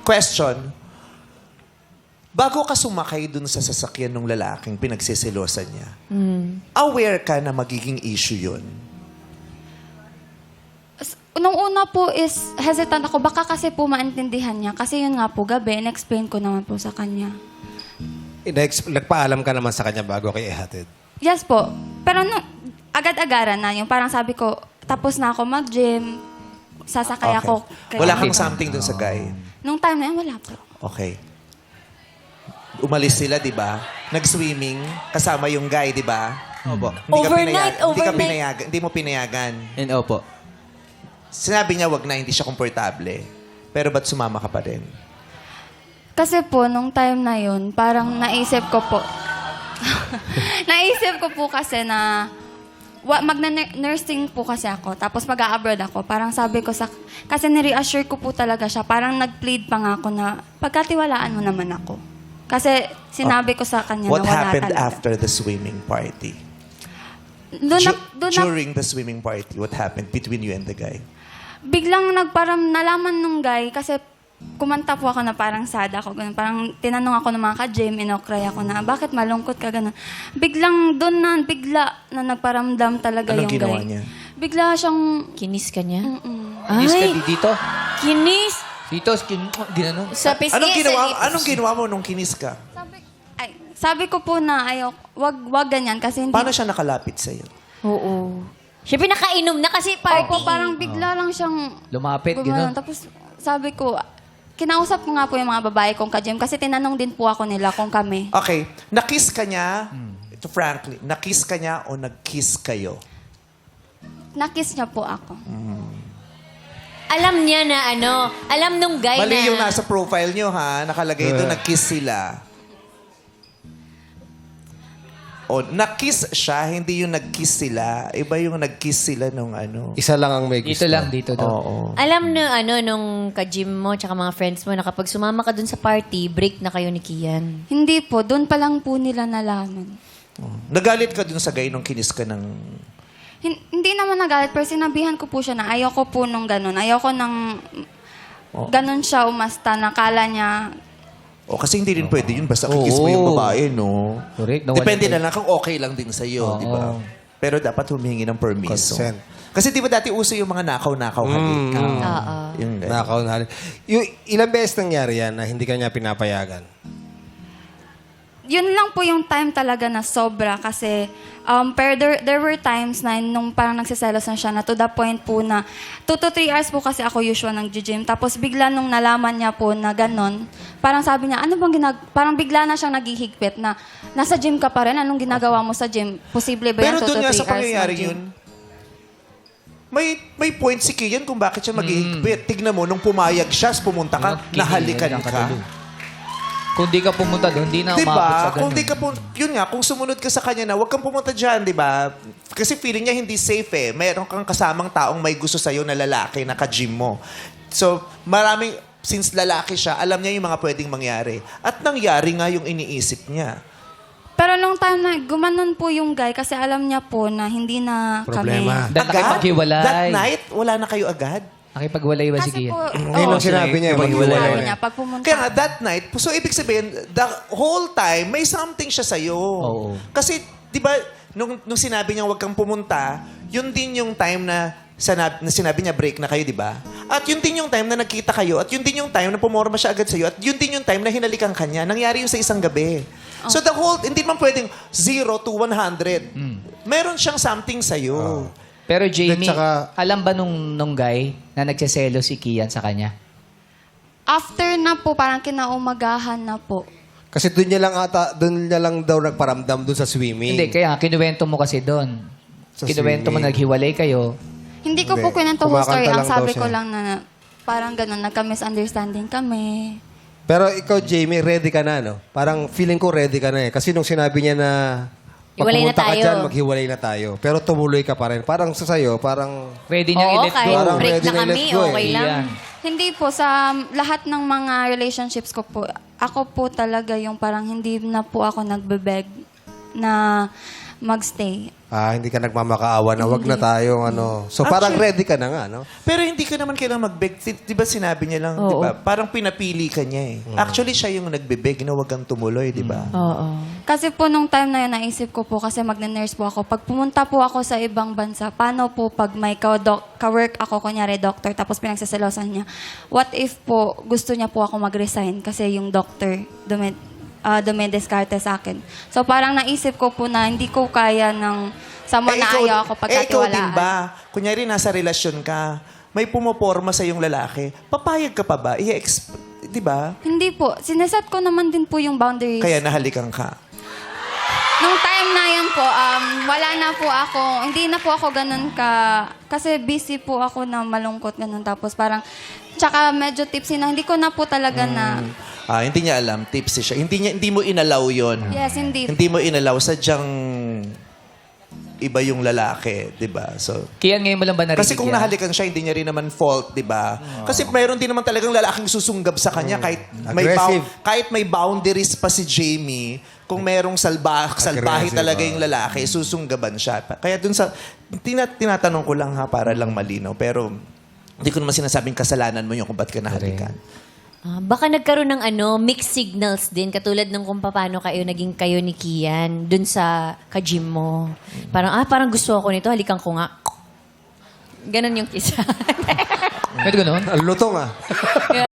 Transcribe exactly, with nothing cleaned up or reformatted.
question, bago ka sumakay dun sa sasakyan ng lalaking pinagsisilosan niya, aware ka na magiging issue yun? S- Nung una po is hesitant ako. Baka kasi po maintindihan niya. Kasi yun nga po, gabi, in-explain ko naman po sa kanya. Inex- Nagpaalam ka naman sa kanya bago kayo ihatid. Yes po. Pero no, agad-agaran na yung parang sabi ko, tapos na ako mag-gym, sasakay ako. kay- Wala kang something dun sa guy? Nung time na yun, wala po. Okay. Umalis sila, di ba? Nag-swimming, kasama yung guy, di ba? Opo. Hindi ka Overnight, pinayag- Hindi ka overnight. pinayagan, hindi mo pinayagan. And opo. Sinabi niya, wag na, hindi siya komportable. Pero ba't sumama ka pa rin? Kasi po, nung time na yun, parang naisip ko po, naisip ko po kasi na wa, magna-nursing po kasi ako, tapos mag-a-abroad ako. Parang sabi ko sa, kasi ni-reassure ko po talaga siya, parang nag-plead pa nga ako na pagkatiwalaan mo naman ako. Kasi sinabi ko sa kanya What na wala happened talaga. after the swimming party? Doon na, Ju- doon na, During the swimming party, what happened between you and the guy? biglang nagparang nalaman nung guy, kasi kumanta po ako na parang sad ako. Ganun. Parang tinanong ako ng mga ka-gym, inokray ako na, bakit malungkot ka ganun? Biglang doon na, bigla na nagparamdam talaga Anong yung ginawa guy. niya? Bigla siyang, Kinis ka niya? mm-mm. Kinis ka Ay, di- dito. kinis! Dito, skin, ginano. Sa pisngi. Anong ginawa, sa- anong ginawa mo nung kinis ka? Sabi, ay, sabi ko po na ayaw, wag, wag ganyan kasi hindi. Paano siya nakalapit sa'yo? Oo. Siyempre nakainom na kasi party. Opo, parang bigla lang siyang Lumapit, gumanon. gano'n. Tapos sabi ko, kinausap ko nga po yung mga babae kong ka-gym kasi tinanong din po ako nila kung kami. Okay, nakiss ka niya, ito frankly, nakiss ka niya o nag-kiss kayo? Nakiss niya po ako. Alam niya na ano, alam nung guy Mali na... yung nasa profile niyo ha, nakalagay doon, nag-kiss sila. O, nakiss siya, hindi yung nag-kiss sila. Iba yung nag-kiss sila nung ano. Isa lang ang may gusto. Dito lang, dito daw. Oo. Alam na ano, nung ka-gym mo tsaka mga friends mo na kapag sumama ka dun sa party, break na kayo ni Kian. Hindi po, doon pa lang po nila nalaman. Nagalit ka dun sa guy nung kinis ka ng... Hin- hindi naman nagalit, pero sinabihan ko po siya na ayoko po nung ganun. Ayoko nang ganun siya umasta, nakala niya. O, kasi hindi rin pwede yun, basta kikiss mo yung babae, no? Correct. Nawala Depende kayo. na lang kung okay lang din sa'yo, Oo. di ba? Pero dapat humingi ng permiso. Consent. Kasi di ba dati uso yung mga nakaw-nakaw halik? Oo. Yung, Nakaw na. Yung ilang beses nangyari yan na hindi ka niya pinapayagan? Yun lang po yung time talaga na sobra kasi um, pero there, there were times na nung parang nagsiselos na siya na to the point po na two to three hours po kasi ako usual ng gym. Tapos bigla nung nalaman niya po na ganon, parang sabi niya, ano bang ginag... Parang bigla na siyang naghihigpit na nasa gym ka pa rin, anong ginagawa mo sa gym? Posible ba Pero yan two doon to nga three sa hours pangyayari ng gym? yun, may may point si Kian kung bakit siya maghihigpit. Tignan mo, nung pumayag siya, pumunta ka, Kinis, nahalikan ang ka. katulog. Kung di ka pumunta doon, di na Di umabot ba? sa ganun. Kung di ka pun- yun nga, kung sumunod ka sa kanya na, huwag kang pumunta dyan, di ba? Kasi feeling niya hindi safe eh. Mayroon kang kasamang taong may gusto sa'yo na lalaki na ka-gym mo. So, maraming, since lalaki siya, alam niya yung mga pwedeng mangyari. At nangyari nga yung iniisip niya. Pero nung time na gumanon po yung guy kasi alam niya po na hindi na Problema. kami. Dahil nakipaghiwalay. That night, wala na kayo agad? Nakipagwalay ba si Kasi Kian? po, Ngayon oo, ang sinabi niya, Yung maghiwalay sinabi na. niya, pag pumunta. Kaya nga, that night, so ibig sabihin, the whole time, may something siya sa'yo. Oo. Kasi, di ba, nung, nung sinabi niya huwag kang pumunta, yun din yung time na, sanab, na sinabi niya break na kayo, di ba? At yun din yung time na nagkita kayo, at yun din yung time na pumorma siya agad sa'yo, at yun din yung time na hinalikan kanya. Nangyari yun sa isang gabi. So the whole, hindi man pwedeng zero to one hundred. Meron siyang something sa'yo. Pero Jamie, At saka- alam ba nung, nung guy na nagseselo si Kian sa kanya? After na po, parang kinaumagahan na po. Kasi doon niya lang ata, doon niya lang daw nagparamdam doon sa swimming. Hindi, kaya nga, kinuwento mo kasi doon. Sa Kinuwento mo, swimming. naghiwalay kayo. Hindi ko Hindi. po kwento whole story. Kumakanta Ang lang sabi daw ko siya. lang na parang ganun, nagka-misunderstanding kami. Pero ikaw, Jamie, ready ka na, no? Parang feeling ko ready ka na eh. Kasi nung sinabi niya na pag Hiwalay na pumunta ka tayo. dyan, maghiwalay na tayo. Pero tumuloy ka pa rin. Parang sa sayo, parang... Pwede niyang Oo, i-let kahit go. Parang break ready na na kami, i-let go eh. okay lang. Iyan. Hindi po, sa lahat ng mga relationships ko po, ako po talaga yung parang hindi na po ako nagbebeg na magstay. Ah, hindi ka nagmamakaawa na wag na tayong ano. So parang Actually- ready ka na nga, no? Pero hindi ka naman kailangan mag-beg. Di, di ba sinabi niya lang, di Oo. ba? Parang pinapili ka niya eh. Actually, siya yung nagbe-beg na wag kang tumuloy, di ba? Oo. Kasi po nung time na yun, naisip ko po kasi magne-nurse po ako. Pag pumunta po ako sa ibang bansa, paano po pag may ka-doc- ka-work ako, kunyari doctor, tapos pinagsaselosan niya, what if po gusto niya po ako mag-resign kasi yung doctor dumed, uh, dumediskarte sa akin. So parang naisip ko po na hindi ko kaya ng someone na ayaw ako eh, ikaw pagkatiwalaan. din ba? Kunyari, nasa relasyon ka, may pumoporma sa yung lalaki, papayag ka pa ba? I-exp- di ba? Hindi po. Sineset ko naman din po yung boundaries. Kaya nahalikan ka. Nung time na yun po, um, wala na po ako, hindi na po ako ganun ka, kasi busy po ako na malungkot ganun. Tapos parang, tsaka medyo tipsy na, hindi ko na po talaga na, Ah, hindi niya alam, tipsy siya. Hindi niya hindi mo inalaw 'yon. yes, hindi. Hindi mo inalaw, sadyang iba yung lalaki, 'di ba? So Kian, ngayon mo lang ba narinig kasi kung yan? nahalikan siya, hindi niya rin naman fault, 'di ba? Kasi mayroon din naman talagang lalaking susunggab sa kanya kahit may Aggressive. bou- kahit may boundaries pa si Jamie, kung merong salba salbahe Aggressive, talaga ah. yung lalaki, susunggaban siya. Kaya dun sa tina, tinatanong ko lang ha para lang malinaw, pero hindi ko naman sinasabing kasalanan mo yun kung ba't ka nahalikan. Ah, baka nagkaroon ng ano, mixed signals din, katulad ng kung paano kayo naging kayo ni Kian dun sa ka-gym mo. Parang, ah, parang gusto ako nito, halikan ko nga. Ganon yung kisa. Pwede ganun? Ang lutong ah.